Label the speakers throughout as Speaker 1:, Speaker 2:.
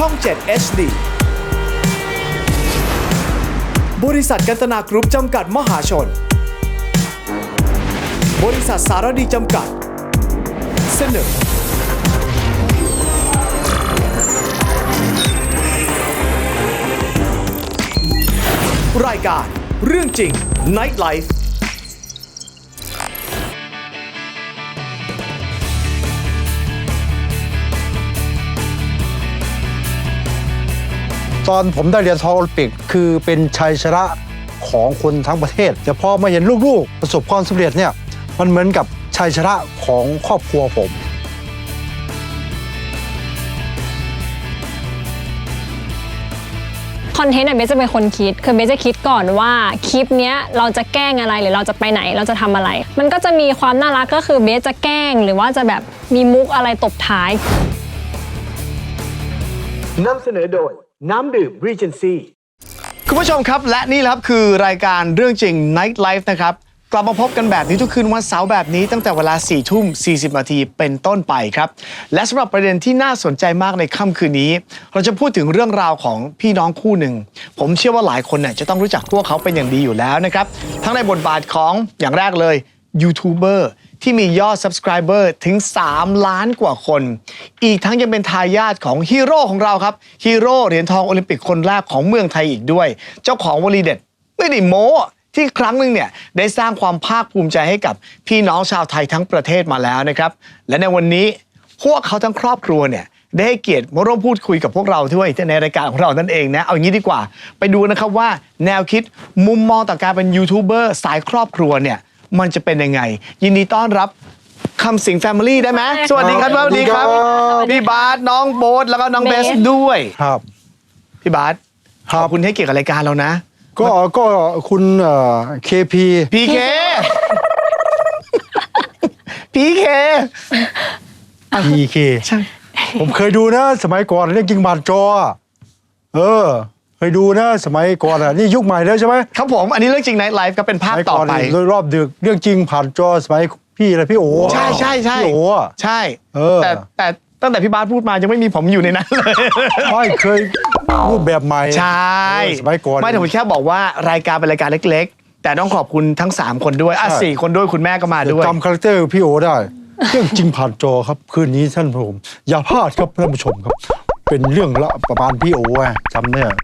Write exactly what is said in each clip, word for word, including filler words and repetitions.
Speaker 1: ช่อง เจ็ด เอช ดี บริษัทกันตนากรุ๊ปจำกัดมหาชน บริษัทสารดีจำกัดเสนอรายการเรื่องจริง Night Life
Speaker 2: ตอนผมได้เหรียญทองโอลิมปิกคือเป็นชัยชนะของคนทั้งประเทศแต่พอมาเห็นลูกๆประสบความสำเร็จเนี่ยมันเหมือนกับชัยชนะของครอบครัวผม
Speaker 3: คอนเทนต์เบสจะเป็นคนคิดคือเบสจะคิดก่อนว่าคลิปเนี้ยเราจะแกล้งอะไรหรือเราจะไปไหนเราจะทำอะไรมันก็จะมีความน่ารักก็คือเบสจะแกล้งหรือว่าจะแบบมีมุกอะไรตบท้าย
Speaker 1: นำเสนอโดยน้ำดื่ม Regency คุณผู้ชมครับและนี่แหละครับคือรายการเรื่องจริง Night Life นะครับกลับมาพบกันแบบนี้ทุกคืนวันเสาร์แบบนี้ตั้งแต่เวลาสี่ทุ่มสี่สิบนาทีเป็นต้นไปครับและสำหรับประเด็นที่น่าสนใจมากในค่ำคืนนี้เราจะพูดถึงเรื่องราวของพี่น้องคู่หนึ่งผมเชื่อว่าหลายคนเนี่ยจะต้องรู้จักพวกเขาเป็นอย่างดีอยู่แล้วนะครับทั้งในบทบาทของอย่างแรกเลยยูทูบเบอร์ที่มียอด Subscriber ถึงสามล้านกว่าคนอีกทั้งยังเป็นทายาทของฮีโร่ของเราครับฮีโร่เหรียญทองโอลิมปิกคนแรกของเมืองไทยอีกด้วยเจ้าของวลีเด็ดไม่ได้โม้ที่ครั้งหนึ่งเนี่ยได้สร้างความภาคภูมิใจให้กับพี่น้องชาวไทยทั้งประเทศมาแล้วนะครับและในวันนี้พวกเขาทั้งครอบครัวเนี่ยได้ให้เกียรติมาร่วมพูดคุยกับพวกเราด้วยในรายการของเรานั่นเองนะเอางี้ดีกว่าไปดูนะครับว่าแนวคิดมุมมองต่อการเป็นยูทูบเบอร์สายครอบครัวเนี่ยมันจะเป็นยังไงยินดีต้อนรับคำสิงแฟมิลี่ได้ไหมสวัสดีครับสวัสดีครับพี่บาสน้องโบ๊ทแล้วก็น้องเบสด้วย
Speaker 2: ครับ
Speaker 1: พี่บาสขอบคุณให้เกียรติกับรายการเรานะ
Speaker 2: ก็ก็คุณเคพี
Speaker 1: พีเคพีเค
Speaker 2: พีเค
Speaker 1: ใช่
Speaker 2: ผมเคยดูนะสมัยก่อนเรื่องจริงผ่านจอเออเคยดูนะสมัยก่อนอ่ะนี่ยุคใหม่แล้วใช่ไหม
Speaker 1: ครับผมอันนี้เรื่องจริงไนท์ไลฟ์ก็เป็นภาคต่อไป
Speaker 2: โดยรอบดึกเรื่องจริงผ่านจอสมัยพี่อะไรพี่โอ
Speaker 1: ใช่ใช่ใช่
Speaker 2: พี่โอ
Speaker 1: ใช่แต่แต่ตั้งแต่พี่บาสพูดมายังไม่มีผมอยู่ในนั้นเลย
Speaker 2: ไม่เคยรูปแบบใหม่
Speaker 1: ใช่
Speaker 2: สมัยก่อน
Speaker 1: ไม่แต่ผมแค่บอกว่ารายการเป็นรายการเล็กๆแต่ต้องขอบคุณทั้งสามคนด้วยอ่ะสี่คนด้วยคุณแม่ก็มาด้วย
Speaker 2: จำคาแรคเตอร์พี่โอได้เรื่องจริงผ่านจอครับคืนนี้ท่านผู้ชมอย่าพลาดครับท่านผู้ชมครับเป็นเรื่องละประมาณพี่โอจำเนี่ย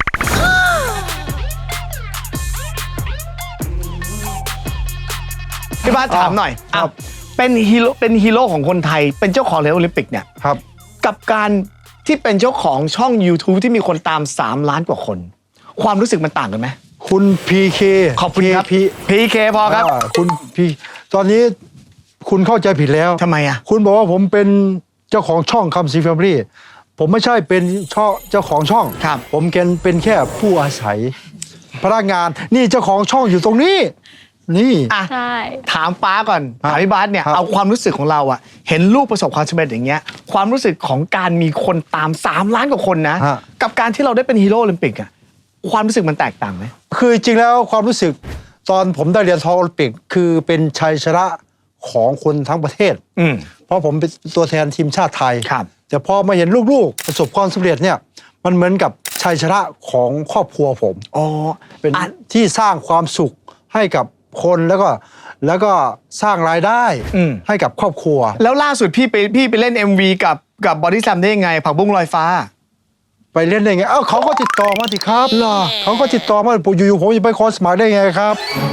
Speaker 1: พี่บาสถามหน่อยอ้าวเป็นฮีโร่เป็นฮีโร่ของคนไทยเป็นเจ้าของเหรียญโอลิมปิกเนี่ย
Speaker 2: ครับ
Speaker 1: กับการที่เป็นเจ้าของช่อง YouTube ที่มีคนตามสามล้านกว่าคนความรู้สึกมันต่างกันไหม
Speaker 2: คุณพีเค
Speaker 1: ขอบคุณครับพีเคพอครับ
Speaker 2: คุณพีตอนนี้คุณเข้าใจผิดแล้ว
Speaker 1: ทำไมอ่ะ
Speaker 2: คุณบอกว่าผมเป็นเจ้าของช่องคำสิงแฟมิลี่ผมไม่ใช่เป็นช่องเจ้าของช่องผมเป็นแค่ผู้อาศัยพนักงานนี่เจ้าของช่องอยู่ตรงนี้นี่
Speaker 1: อ่ะถามป้าก่อนถามพี่บาสเนี่ยเอาความรู้สึกของเราอะเห็นลูกประสบความสำเร็จอย่างเงี้ยความรู้สึกของการมีคนตามสามล้านกว่าคนนะกับการที่เราได้เป็นฮีโร่โอลิมปิกอะความรู้สึกมันแตกต่างไหม
Speaker 2: คือจริงแล้วความรู้สึกตอนผมได้เหรียญทองโอลิมปิกคือเป็นชัยชนะของคนทั้งประเทศเพราะผมเป็นตัวแทนทีมชาติไทยแต่พอมาเห็นลูกๆประสบความสำเร็จเนี่ยมันเหมือนกับชัยชนะของครอบครัวผม
Speaker 1: อ๋อ
Speaker 2: เป็นที่สร้างความสุขให้กับคนแล้วก็แล้วก็สร้างรายได้ให้กับครอบครัว
Speaker 1: แล้วล่าสุดพี่ไปพี่ไปเล่น เอ็ม วี กับกับบอดี้สแลมได้ยังไงผักบุ้งลอยฟ้า
Speaker 2: ไปเล่นได้ไงเอ้าเขาก็ติดต่อมาสิครับเหรอเขาก็ติดต่อมาอยู่ๆผมจะไปขอสมัครได้ไงครับ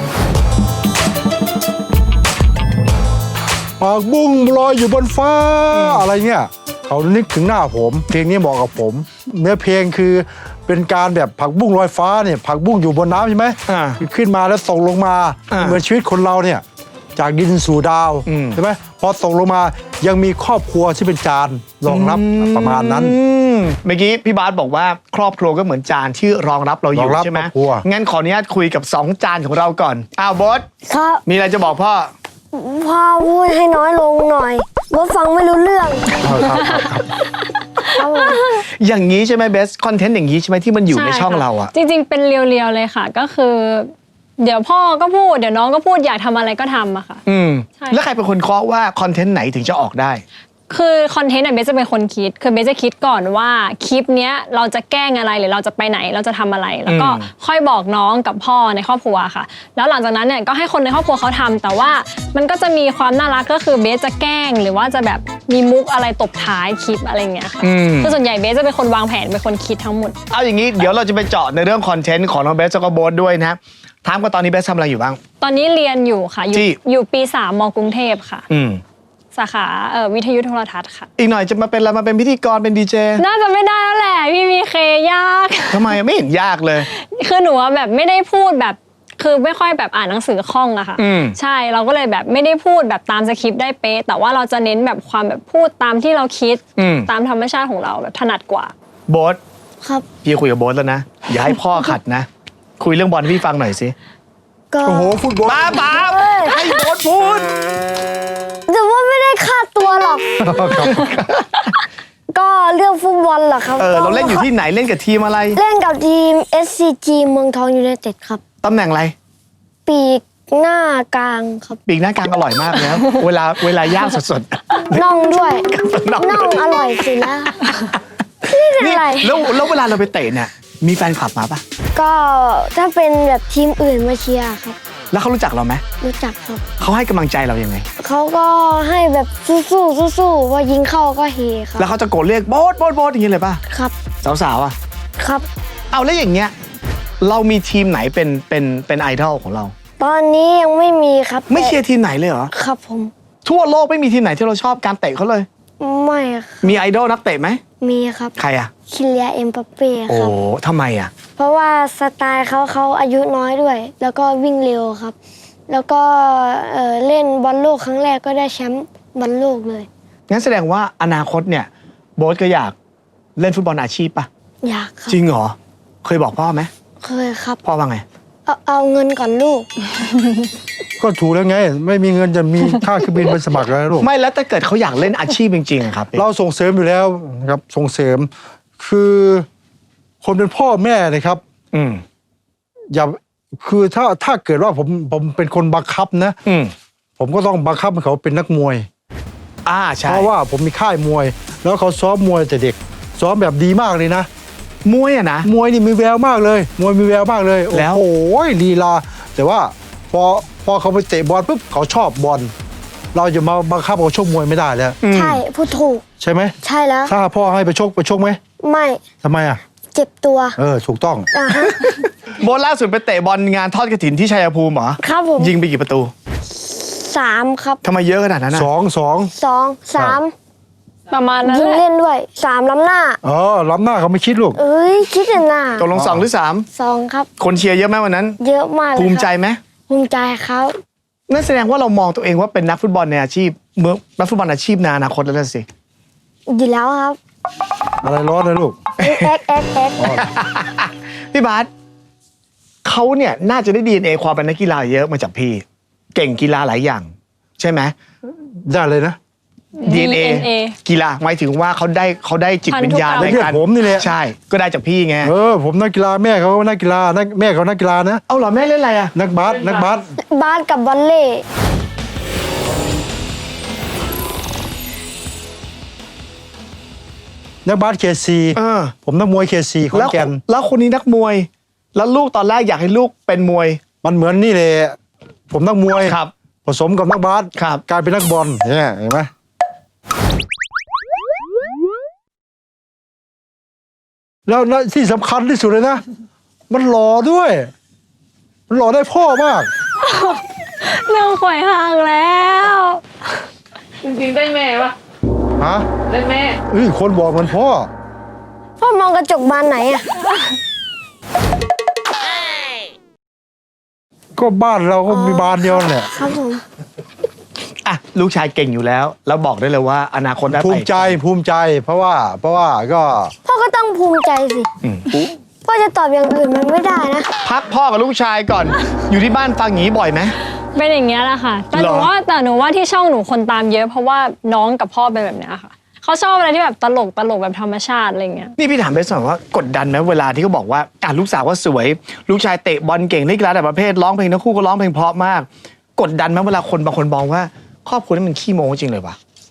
Speaker 2: ผักบุ้งลอยอยู่บนฟ้าอะไรเงี้ยเขานึกถึงหน้าผมเพลงนี้เหมาะกับผมเนื้อเพลงคือเป็นการแบบผักบุ้งลอยฟ้าเนี่ยผักบุ้งอยู่บนน้ำใช่ไหมขึ้นมาแล้วตกลงมาเหมือนชีวิตคนเราเนี่ยจากดินสู่ดาวใช่ไหมพอตกลงมายังมีครอบครัวที่เป็นจานรองรับประมาณนั้น
Speaker 1: เมื่อกี้พี่บาสบอกว่าครอบครัวก็เหมือนจานที่รองรับเราอยู่ใช่ไหมงั้นขออนุญาตคุยกับสองจานของเราก่อนอ้าวบอส
Speaker 4: ครับ
Speaker 1: มีอะไรจะบอกพ่อ
Speaker 4: พ่อพูดให้น้อยลงหน่อยบอสฟังไม่รู้เรื่อง
Speaker 1: อย่างนี้ใช่ไหมเบสคอนเทนต์อย่างนี้ใช่ไหมที่มันอยู่ในช่องเราอะ
Speaker 3: จริงๆเป็นเรียวๆเลยค่ะก็คือเดี๋ยวพ่อก็พูดเดี๋ยวน้องก็พูดอยากทำอะไรก็ทำอะค่ะ
Speaker 1: อืมแล้วใครเป็นคนเคาะว่าคอนเทนต์ไหนถึงจะออกได้
Speaker 3: คือคอนเทนต์เนี่ยเบสจะเป็นคนคิดคือเบสจะคิดก่อนว่าคลิปเนี้ยเราจะแกล้งอะไรหรือเราจะไปไหนเราจะทำอะไรแล้วก็ค่อยบอกน้องกับพ่อในครอบครัวค่ะแล้วหลังจากนั้นเนี่ยก็ให้คนในครอบครัวเขาทำแต่ว่ามันก็จะมีความน่ารักก็คือเบสจะแกล้งหรือว่าจะแบบมีมุกอะไรตบท้ายคลิปอะไรเงี้ยค่ะคือส่วนใหญ่เบสจะเป็นคนวางแผนเป็นคนคิดทั้งหมด
Speaker 1: เอาอย่างนี้เดี๋ยวเราจะไปเจาะในเรื่องคอนเทนต์ของน้องเบสแล้วก็โบ๊ทด้วยนะถามกันตอนนี้เบสทำอะไรอยู่บ้าง
Speaker 3: ตอนนี้เรียนอยู่ค่ะอยู่อยู่ปีสามมกรุงเทพค่ะ
Speaker 1: อืม
Speaker 3: สาขาเอ่อวิทยุโทรทัศน์ค่ะ
Speaker 1: อีกหน่อยจะมาเป็นอะไรมาเป็นพิธีกรเป็นดีเจ
Speaker 3: น่าจะไม่ได้แล้วแหละพี่มีเคยาก
Speaker 1: ทำไมไม่เห็นยากเลย
Speaker 3: คือหนูแบบไม่ได้พูดแบบคือไม่ค่อยแบบอ่านหนังสือคล่องอะค่ะใช่เราก็เลยแบบไม่ได้พูดแบบตามสคริปต์ได้เป๊ะแต่ว่าเราจะเน้นแบบความแบบพูดตามที่เราคิดตามธรรมชาติของเราแบบถนัดกว่า
Speaker 1: โบ๊ท
Speaker 4: ครับ
Speaker 1: พี่คุยกับโบ๊ทแล้วนะอย่าให้พ่อขัดนะคุยเรื่องบอลให้พี่ฟังหน่อยสิ
Speaker 4: ก็
Speaker 2: โอ้โหฟุตบอล
Speaker 1: ป้าป้าให้โบ๊ทพูด
Speaker 4: แต่ว่าไม่ได้ค่าตัวหรอกก็เรื่องฟุตบอลเหรอครับ
Speaker 1: เออเราเล่นอยู่ที่ไหนเล่นกับทีมอะไร
Speaker 4: เล่นกับทีม เอส ซี จี เมืองทองยูไนเต็ดครับ
Speaker 1: ตำแหน่งอะไร
Speaker 4: ปีกหน้ากลางครับ
Speaker 1: ปีกหน้ากลางอร่อยมากนะเวลาเวลาย่างสด
Speaker 4: ๆน่องด้วยน่องอร่อยสินะนี่อะไร
Speaker 1: แล้วแล้วเวลาเราไปเตะเนี่ยมีแฟนคลับมาปะ
Speaker 4: ก็ถ้าเป็นแบบทีมอื่นมาเชียร์ครับ
Speaker 1: แล้วเขารู้จักเราไหม
Speaker 4: รู้จักครับ
Speaker 1: เขาให้กำลังใจเรายังไง
Speaker 4: เขาก็ให้แบบสู้ๆสู้ๆว่ายิงเข้าก็เฮครับ
Speaker 1: แล้วเขาจะโกรธเรียกโบ๊ทโบ๊ทโบ๊ทอย่างนี้เลยป่ะ
Speaker 4: ครับ
Speaker 1: สาวๆอ่ะ
Speaker 4: ครับ
Speaker 1: เอาแล้วอย่างเงี้ยเรามีทีมไหนเป็นเป็นเป็นไอดอลของเรา
Speaker 4: ตอนนี้ยังไม่มีครับ
Speaker 1: ไม่เชียร์ทีมไหนเลยเหรอ
Speaker 4: ครับผม
Speaker 1: ทั่วโลกไม่มีทีมไหนที่เราชอบการเตะเขาเลย
Speaker 4: ไม่
Speaker 1: มีไอดอลนักเตะไหม
Speaker 4: มีครับ
Speaker 1: ใครอ่ะ
Speaker 4: คิเลียเอ็มบัปเป้ครับโอ้
Speaker 1: ทำไมอ่ะ
Speaker 4: เพราะว่าสไตล์เขาเขาอายุน้อยด้วย แล้วก็วิ่งเร็วครับแล้วก็เอ่อเล่นบอลโลกครั้งแรกก็ได้แชมป์บอลโลกเลย
Speaker 1: งั้นแสดงว่าอนาคตเนี่ยโบ๊ทก็อยากเล่นฟุตบอลอาชีพป่ะ
Speaker 4: อยากครับ
Speaker 1: จริงเหรอเคยบอกพ่อไหม
Speaker 4: เคยครับ
Speaker 1: พ่อว่าไง
Speaker 4: เอาเอาเงินก่อนลูก
Speaker 2: ก็ถูกแล้วไงไม่มีเงินจะมีค่าเครื่องบินไปสมัครแล้วลูก
Speaker 1: ไม่แล้วถ้าเกิดเขาอยากเล่นอาชีพจริงๆครับ
Speaker 2: เราส่งเสริมอยู่แล้วครับส่งเสริมคือคนเป็นพ่อแม่เลยครับ
Speaker 1: อืม
Speaker 2: อย่าคือถ้าถ้าเกิดว่าผมผมเป็นคนบังคับนะ
Speaker 1: อืม
Speaker 2: ผมก็ต้องบังคับให้เขาเป็นนักมวย
Speaker 1: อ่าใช่
Speaker 2: เพราะว่าผมมีค่ายมวยแล้วเขาซ้อมมวยแต่เด็กซ้อมแบบดีมากเลยนะ
Speaker 1: มวยอะนะ
Speaker 2: มวยนี่มีแววมากเลยมวยมีแววมากเลย
Speaker 1: แล้ว
Speaker 2: โอ้ยลีลาแต่ว่าพอพอเขาไปเตะบอลปุ๊บเขาชอบบอลเราจะมาบังคับเขาชกมวยไม่ได้แล้ว
Speaker 4: ใช่พูดถูก
Speaker 2: ใช่ไหม
Speaker 4: ใช่แล้ว
Speaker 2: ถ้าพ่อให้ไปชกไปชกไหม
Speaker 4: ไม่
Speaker 2: ทำไมอ่ะ
Speaker 4: เจ็บตัว
Speaker 2: เออถูกต้อง
Speaker 1: โบล่าสุดไปเตะบอลงานทอดกฐินที่ชัยภูมิเหรอ
Speaker 4: ครับผม
Speaker 1: ยิงไปกี่ประตู
Speaker 4: สามครับ
Speaker 1: ทำไมเยอะขนาดนั้น
Speaker 2: อ่ะสองสอง
Speaker 4: สองสาม
Speaker 3: ประมาณนั้น
Speaker 4: ยิงเล่นด้วยสามล้ำหน้า
Speaker 2: อ๋อล้ำหน้าเขาไม่คิดลูก
Speaker 4: เอ้ยคิดแต่หน้า
Speaker 1: ตกลงสองหรือสาม
Speaker 4: สองครับ
Speaker 1: คนเชียร์เยอะไหมวันนั้น
Speaker 4: เยอะมาก
Speaker 1: ภูมิใจไหม
Speaker 4: ภูมิใจครับ
Speaker 1: นั่นแสดงว่าเรามองตัวเองว่าเป็นนักฟุตบอลในอาชีพเมื่อนักฟุตบอลอาชีพในอนาคตแล้วสิ
Speaker 4: อยู่แล้วครับ
Speaker 2: อะไรร้อนเลยลูก
Speaker 4: เอ็กเอ็กเอ็ก
Speaker 1: พี่บาสเขาเนี่ยน่าจะได้ ดี เอ็น เอ ความเป็นนักกีฬาเยอะมาจากพี่เก่งกีฬาหลายอย่างใช่ไหม
Speaker 2: ได้เลยนะ
Speaker 1: ดี เอ็น เอ กีฬาหมายถึงว่าเขาได้เขาได้จิตวิญญาณในการ
Speaker 2: ผมนี่แหละ
Speaker 1: ใช่ก็ได้จากพี่ไง
Speaker 2: เออผมนักกีฬาแม่เขานักกีฬานักแม่เขานักกีฬานะ
Speaker 1: เอาเหรอแม่เล่นอะไรอะ
Speaker 2: นักบาสนักบาส
Speaker 4: บาสกับบอลเล่
Speaker 2: นักบาสเคซีผมนักมวยเคซีขอนแก่น
Speaker 1: แล้วคนนี้นักมวยแล้วลูกตอนแรกอยากให้ลูกเป็นมวย
Speaker 2: มันเหมือนนี่เลยผมนักมวย
Speaker 1: ครับ
Speaker 2: ผสมกับนักบาสกลายเป็นนักบอลเนี่ยเห็นไหมแล้วที่สำคัญที่สุดเลยนะมันหล่อด้วยมันหล่อได้พ่อมาก
Speaker 3: เรื่องข่อยห่างแล้ว
Speaker 5: จริงๆได้แม่ปะ
Speaker 2: ฮะ
Speaker 5: ได้แม่
Speaker 2: เอ้ยคนบอกมันพ่อ
Speaker 4: พ่อมองกระจกบานไหนอะ
Speaker 2: ก็บ้านเราก็มีบานเดียวแหละ
Speaker 4: ครับผม
Speaker 1: อ่ะลูกชายเก่งอยู่แล้วแล้วบอกได้เลยว่าอนาคตได้
Speaker 2: ภูมิใจภูมิใจเพราะว่าเพราะว่าก็
Speaker 4: พ่อก็ต้องภูมิใจสิพ่อจะตอบอย่างอื่นมันไม่ได้นะ
Speaker 1: พักพ่อกับลูกชายก่อนอยู่ที่บ้านฟังอย่างนี้บ่อยไหม
Speaker 3: เป็นอย่างเงี้ยแหละค่ะแต่หนูว่าแต่หนูว่าที่ช่องหนูคนตามเยอะเพราะว่าน้องกับพ่อเป็นแบบเนี้ยค่ะเขาชอบอะไรที่แบบตลกตลกแบบธรรมชาติอะไรเงี้ย
Speaker 1: นี่พี่ถามไปสอนว่ากดดันไหมเวลาที่เขาบอกว่าอ่ะลูกสาวว่าสวยลูกชายเตะบอลเก่งเล่นกีฬาแต่ประเภทร้องเพลงทั้งคู่ก็ร้องเพลงเพราะมากกดดันไหมเวลาคนบางคนมองว่าครอบครัวนี้มันขี้โม้จริงเลยวะ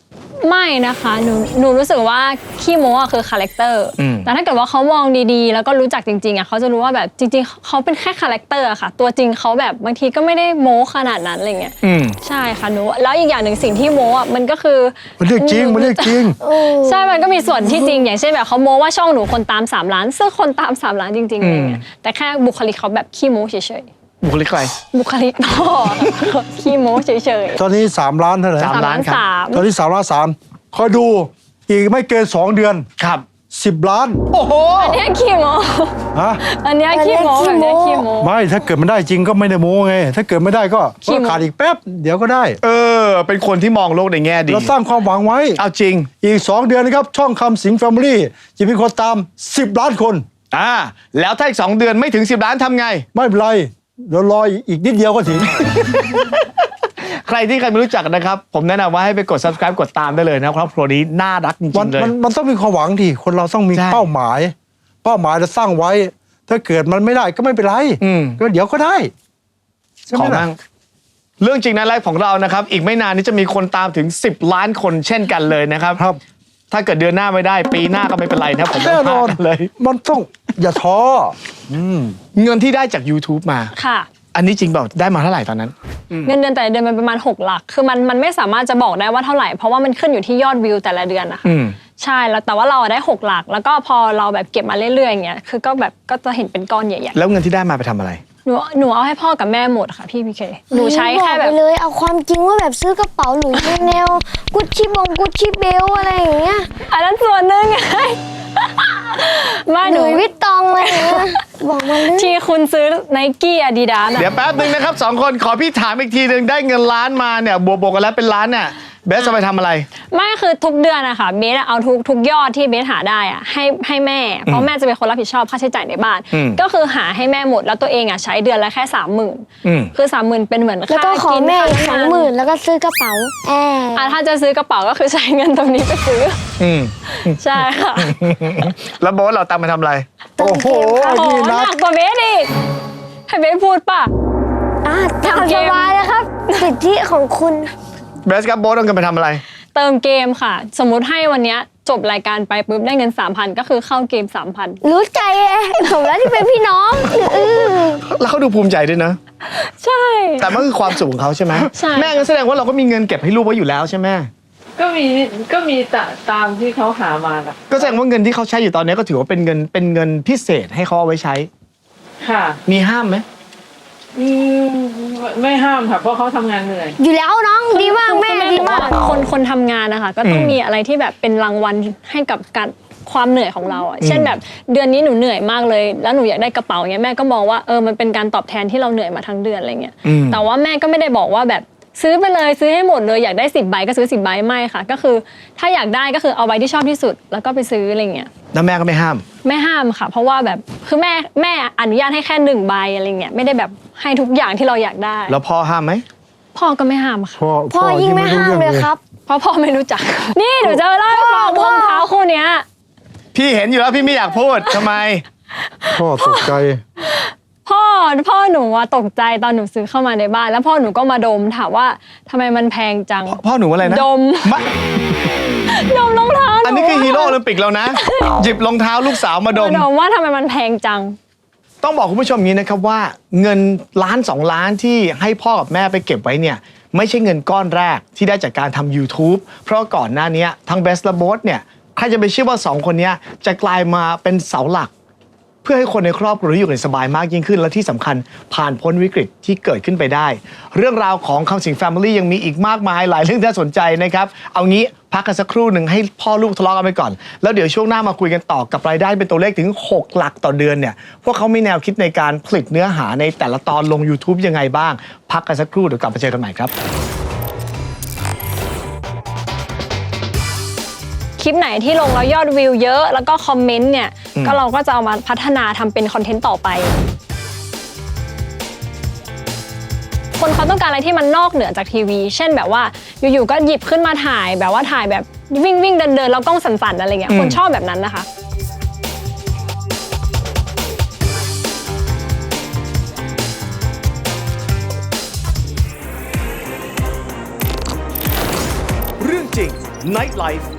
Speaker 3: ไม่นะคะหนูหนูรู้สึกว่าขี้โม้อะคือคาแรคเตอร์
Speaker 1: อืม
Speaker 3: แต่ถ้าเกิดว่าเขามองดีๆ แล้วก็รู้จักจริงๆอะเขาจะรู้ว่าแบบจริงๆเขาเป็นแค่คาแรคเตอร์อะค่ะ ตัวจริงเขาแบบบางทีก็ไม่ได้โม้ขนาดนั้นอะไรเงี้ย
Speaker 1: อืม
Speaker 3: ใช่ค่ะหนูแล้วอีกอย่างหนึ่งสิ่งที่โม้อะมันก็คือ
Speaker 2: มันเรื่องจริงมันเรื่องจริง
Speaker 3: ใช่มันก็มีส่วนที่จริง อย่างเช่นแบบเขาโม้ว่าช่องหนูคนตามสามล้านซึ่งคนตามสามล้านจริงๆอะไรเงี้ยแต่แค่บุคลิกเขาแบบขี้โม้เฉย
Speaker 1: บุคลิกใคร
Speaker 3: ๆบุคลิกพ่อขี้โม้เฉย
Speaker 2: ตอนนี้สามล้านเท่าไหร่
Speaker 1: สาม
Speaker 3: ๆ
Speaker 1: ล้านครับ
Speaker 3: สาม
Speaker 2: ตอนนี้สามล้านสามคอยดูอีกไม่เกินสองเดือน
Speaker 1: ครับ
Speaker 2: สิบล้าน
Speaker 1: โอ้โห
Speaker 3: อันเนี้ยขี้โม้
Speaker 2: ฮะ
Speaker 3: อันเนี้ยขี้โม้แบบเนี้ยขี้โม้
Speaker 2: ไม่ถ้าเกิดมันได้จริงก็ไม่ได้โม้ไง ถ้าเกิดไม่ได้ก็
Speaker 3: ขี้โม้
Speaker 2: ก็ขาดอีกแป๊บ เดี๋ยวก็ได้
Speaker 1: เออ เป็นคนที่มองโลกในแง่ดี
Speaker 2: เราสร้างความหวังไว้
Speaker 1: เอาจริง
Speaker 2: อีกสองเดือนนะครับ ช่องคำสิงแฟมิลี่จะมีคนตามสิบล้านคน
Speaker 1: อ่า แล้วถ้าอีกสองเดือนไม่ถึงสิบล้านทำไง
Speaker 2: ไม่เป็นไรเดี๋ยวรออีกนิดเดียวก็ถึง
Speaker 1: ใครที่ใครไม่รู้จักนะครับ ผมแนะนำว่าให้ไปกด subscribe กดตามได้เลยนะครับครอบครัวนี้น่ารักจริ
Speaker 2: มัน
Speaker 1: งๆเลย
Speaker 2: มันมันต้องมีความหวังที่คนเราต้องมี
Speaker 1: ใช่
Speaker 2: เป้าหมาย เป้าหมายเราสร้างไว้ ถ้าเกิดมันไม่ได้ก็ไม่เป็นไร
Speaker 1: อืม
Speaker 2: ก็เดี๋ยวก็ได้ใช่ไห
Speaker 1: ข
Speaker 2: ม
Speaker 1: อ
Speaker 2: ล่ะ
Speaker 1: นั่งเรื่องจริงนะไลฟ์ของเรานะครับ อีกไม่นานนี้จะมีคนตามถึงสิบล้านคนเช่นกันเลยนะครับ
Speaker 2: ครับ
Speaker 1: ถ้าเกิดเดือนหน้าไม่ได้ ปีหน้าก็ไม่เป็นไรนะผม
Speaker 2: แน่นอน
Speaker 1: ว่าเลย
Speaker 2: มันต้องอย่าท้ออืม
Speaker 1: เงินที่ได้จาก YouTube มา
Speaker 3: ค่ะ
Speaker 1: อันนี้จริงเปล่าได้มาเท่าไหร่ตอนนั้น
Speaker 3: เงินเดือนแต่ละเดือนมันประมาณหกหลัก คือมันมันไม่สามารถจะบอกได้ว่าเท่าไหร่ เพราะว่ามันขึ้นอยู่ที่ยอดวิวแต่ละเดือนนะคะ
Speaker 1: อืม
Speaker 3: ใช่แล้วแต่ว่าเราอะได้หกหลัก แล้วก็พอเราแบบเก็บมาเรื่อยๆอย่างเงี้ยคือก็แบบก็จะเห็นเป็นก้อนใหญ่
Speaker 1: แล้วเงินที่ได้มาไปทำอะไร
Speaker 3: ๆหนูหนูเอาให้พ่อกับแม่หมดค่ะพี่พีเคหนูใช้แค่
Speaker 4: บ
Speaker 3: แบ
Speaker 4: อบ กไปเลยเอาความจริงว่าแบบซื้อกระเป๋าหลุยส์แนวกุชชี่บงกุชชี่เบลอะไรอย่างเงี้ย
Speaker 3: อันนั้นส่วนหนึ่งไง ไม่
Speaker 4: ห
Speaker 3: หนู
Speaker 4: ลุยส์วิตตองอะไรอย่างเงี้ยบอกมาเลย
Speaker 3: ที่คุณซื้อไนกี้อาดิดาส
Speaker 1: เดี๋ยวแป๊บนึงนะครับสองคนขอพี่ถามอีกทีหนึ่งได้เงินล้านมาเนี่ยบวกๆกันแล้วเป็นล้านเนี่ยเบสจะไปทำอะไร
Speaker 3: ไม่คือทุกเดือนอะค่ะเบสอะเอาทุกทุกยอดที่เบสหาได้อะให้ให้แม่ เพราะแม่จะเป็นคนรับผิดชอบค่าใช้จ่ายในบ้าน
Speaker 1: อืม
Speaker 3: ก็คือหาให้แม่หมดแล้วตัวเองอะใช้เดือนละแค่สามหมื่น
Speaker 1: อืม
Speaker 3: คือสามหมื่นเป็นเหมือน
Speaker 4: แล้ว
Speaker 3: ค่า
Speaker 4: ก็ขอ
Speaker 3: กิน
Speaker 4: แม่อีกส
Speaker 3: ค่า
Speaker 4: อง
Speaker 3: น้ำ
Speaker 4: หมื่นแล้วก็ซื้อกระเป๋าแอร์
Speaker 3: อ่ะถ้าจะซื้อกระเป๋าก็คือใช้เงินตรงนี้ไปซื้อ
Speaker 1: อืม
Speaker 3: ใช่ค่ะ
Speaker 1: แล้วโบสเราตังค์ไปทำอะไร
Speaker 2: โอ้โห
Speaker 3: โอ้
Speaker 2: นี่
Speaker 3: ห
Speaker 2: นะ
Speaker 3: นักกว่าเบสอีกให้เบสพูดป่ะ
Speaker 4: อ่ะตาม
Speaker 3: ทำเก
Speaker 4: ส
Speaker 3: ม
Speaker 4: บายเลยครับสิทธิของคุณ
Speaker 1: เบสกับโบสเอาเงินไปทำอะไร
Speaker 3: เติมเกมค่ะ สมมุติให้วันเนี้ยจบรายการไปปุ๊บได้เงิน สามพัน ก็คือเข้าเกม สามพัน
Speaker 4: รู้ใจไงผมแล้วที่เป็นพี่น้องเออ
Speaker 1: แล้วเขาดูภูมิใจด้วยนะ
Speaker 3: ใช่
Speaker 1: แต่มันคือความสุขของเขาใช่ไหม
Speaker 3: ใช่
Speaker 1: แม่ก็แสดงว่าเราก็มีเงินเก็บให้ลูกไว้อยู่แล้วใช่ไหม
Speaker 5: ก็มีก็มีตะตามที่เขาหามาแหละ
Speaker 1: ก็แสดงว่าเงินที่เขาใช้อยู่ตอนนี้ก็ถือว่าเป็นเงินเป็นเงินพิเศษให้เขาเอาไว้ใช้
Speaker 5: ค่ะ
Speaker 1: มีห้ามไหม
Speaker 5: อืมไม่ห้ามค่ะเพราะเขาทำงานเหนื่อย
Speaker 4: อยู่แล้วน้องดีมากแม่
Speaker 3: คือ
Speaker 4: ดี
Speaker 3: บอก
Speaker 4: มาก
Speaker 3: ว่าคนคนทำงานนะคะก็ต้อง
Speaker 1: อืม
Speaker 3: มีอะไรที่แบบเป็นรางวัลให้กับการความเหนื่อยของเราอ่ะเช่นแบบเดือนนี้หนูเหนื่อยมากเลย แล้วหนูอยากได้กระเป๋าเงี้ยแม่ก็มองว่าเออมันเป็นการตอบแทนที่เราเหนื่อยมาทั้งเดือนอะไรเงี้ย
Speaker 1: อืม
Speaker 3: แต่ว่าแม่ก็ไม่ได้บอกว่าแบบซื้อไปเลยซื้อให้หมดเลยอยากได้สิบใบก็ซื้อสิบใบไม่ค่ะ ก็คือถ้าอยากได้ก็คือเอาใบที่ชอบที่สุดแล้วก็ไปซื้ออะไรเงี้ย
Speaker 1: แล้วแม่ก็ไม่ห้าม
Speaker 3: ไม่ห้ามค่ะ เพราะว่าแบบคือแม่แม่อนุญาตให้แค่หนึ่งใบอะไรเงี้ยไม่ได้แบบให้ทุกอย่างที่เราอยากได้
Speaker 1: แล้วพ่อห้ามไหม
Speaker 3: พ่อก็ไม่ห้ามค่ะ
Speaker 2: พ่อ
Speaker 4: พ่อยิ่งไม่ห้ามเลยครับ
Speaker 3: เพราะพ่อไม่รู้จัก นี่หนูจะเล่าให้ฟังรองเท้าคู่เนี้ย
Speaker 1: พี่เห็นอยู่แล้วพี่ไม่อยากพูดทำไม
Speaker 2: พ่อตกใจ
Speaker 3: พ่อพ่อหนูอะตกใจตอนหนูซื้อเข้ามาในบ้าน แล้วพ่อหนูก็มาดมถามว่าทำไมมันแพงจัง
Speaker 1: พ่อหนูอะไรนะ
Speaker 3: ดม
Speaker 1: มะ
Speaker 3: ดมรองเท้าหนู
Speaker 1: อันนี้คือฮีโร่โอลิมปิกแล้วนะ หยิบรองเท้าลูกสาวมาด
Speaker 3: มาม ดมว่าทำไมมันแพงจัง
Speaker 1: ต้องบอกคุณผู้ชมอย่างนี้นะครับว่าเงินล้านสองล้านที่ให้พ่อกับแม่ไปเก็บไว้เนี่ยไม่ใช่เงินก้อนแรกที่ได้จากการทำ YouTube เพราะก่อนหน้านี้ทั้งเบสและโบสเนี่ยใครจะไปเชื่อว่าสองคนเนี้ยจะกลายมาเป็นเสาหลัก เพื่อให้คนในครอบครัวอยู่กันสบายมากยิ่งขึ้น และที่สำคัญผ่านพ้นวิกฤตที่เกิดขึ้นไปได้ เรื่องราวของคำสิงแฟมิลี่ยังมีอีกมากมายหลายเรื่องที่น่าสนใจนะครับเอางี้พักกันสักครู่หนึ่งให้พ่อลูกทะเลาะกันไปก่อน แล้วเดี๋ยวช่วงหน้ามาคุยกันต่อกับรายได้เป็นตัวเลขถึงหกหลักต่อเดือนเนี่ยพวกเขามีแนวคิดในการผลิตเนื้อหาในแต่ละตอนลง YouTube ยังไงบ้าง พักกันสักครู่เดี๋ยวกลับมาเจอกันใหม่ครับ
Speaker 3: คลิปไหนที่ลงแล้วยอดวิวเยอะแล้วก็คอมเมนต์เนี่ย
Speaker 1: อืม
Speaker 3: ก็เราก็จะเอามาพัฒนาทำเป็นคอนเทนต์ต่อไป คนเขาต้องการอะไรที่มันนอกเหนือจากทีวี เช่นแบบว่าอยู่ๆก็หยิบขึ้นมาถ่ายแบบว่าถ่ายแบบวิ่งวิ่งเดินเดินแล้วกล้องสั่นๆอะไรเงี้ยคนชอบแบบนั้นนะคะ
Speaker 1: เรื่องจริง Nightlife